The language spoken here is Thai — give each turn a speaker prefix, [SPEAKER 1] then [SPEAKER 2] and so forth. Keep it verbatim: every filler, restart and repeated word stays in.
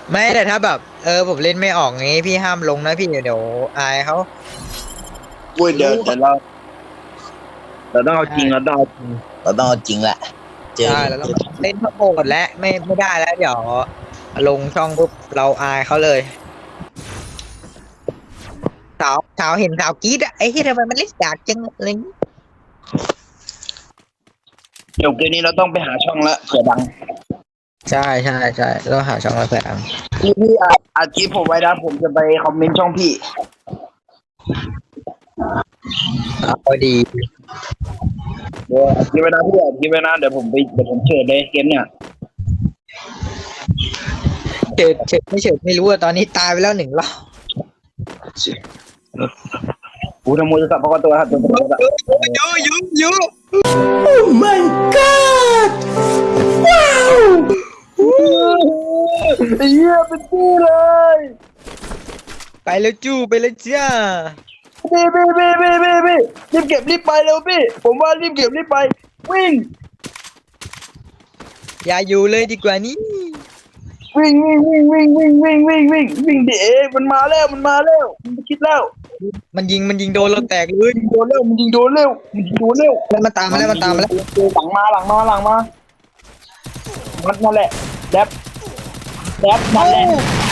[SPEAKER 1] ไม่แต่ถ้าแบบเออผมเล่นไม่ออกงี้พี่ห้ามลงนะพี่เดี๋ยวอายเขา
[SPEAKER 2] อุ้ยเดี๋ยวเดี๋ยวเราเราต้องเอาจริงเรา
[SPEAKER 1] ใช่
[SPEAKER 2] ต้องเอาจริงเราต้องเอาจริงแหละเจอ
[SPEAKER 1] ใช่แล้วต้องเล่นทั้งโหดและไม่ไม่ได้แล้วเดี๋ยวลงช่องปุ๊บเราอายเขาเลยสาวสาวเห็นสาวกรี๊ดอะไอ้ที่ทำไมมันเล่นกากจังอะไรอย่างงี้
[SPEAKER 2] เดี๋ยวเกมนี้เราต้องไปหาช่องละเผื่อดัง
[SPEAKER 1] ใช่ใช่ใช่ต้องหาช่องมาเพื่อท
[SPEAKER 2] พี่พี่อาอาคลิปผมไว้นะผมจะไปคอมเมนต์ช่องพี่
[SPEAKER 1] ำเอาดี
[SPEAKER 2] เดี๋ยวอาคลิปไว้นะพี่อาคลิปไว้นะเดี๋ยวผมไปเดี๋ยวผมเชิญเลยเกมเนี่ย
[SPEAKER 1] เฉิดเฉิดไม่เฉิดไม่รู้อะตอนนี้ตายไปแล้วหนึ่งรอบ
[SPEAKER 2] กูทำมือสับพกตัวครับตัวตัวตัว
[SPEAKER 1] ยูยูยู
[SPEAKER 3] My God! Wow!
[SPEAKER 2] ไอ้เหี้ยเป็นพี่เลย
[SPEAKER 1] ไปแล้วจู้ไปแล้วจ้า
[SPEAKER 2] พี่พี่พี่พี่พี่พี่รีบเก็บรีบไปเร็วพี่ผมว่ารีบเก็บรีบไปวิ่ง
[SPEAKER 1] อย่าอยู่เลยดีกว่านี้
[SPEAKER 2] วิ่งวิ่งวิ่งวิ่งวิ่งวิ่งวิ่งวิ่งวิ่งดิเอมันมาแล้วมันมาแล้วมันคิดแล้ว
[SPEAKER 1] มันยิงมันยิงโดนเราแตกเลย
[SPEAKER 2] ยิงโดนเร็วมันยิงโดนเร็วมันยิงโดนเร็ว
[SPEAKER 1] มันมาตามมาแล้วมันตามมาแล้ว
[SPEAKER 2] หลังมาหลังมาหลังมามันนั่นแหละแดบแดบนั่นแหละ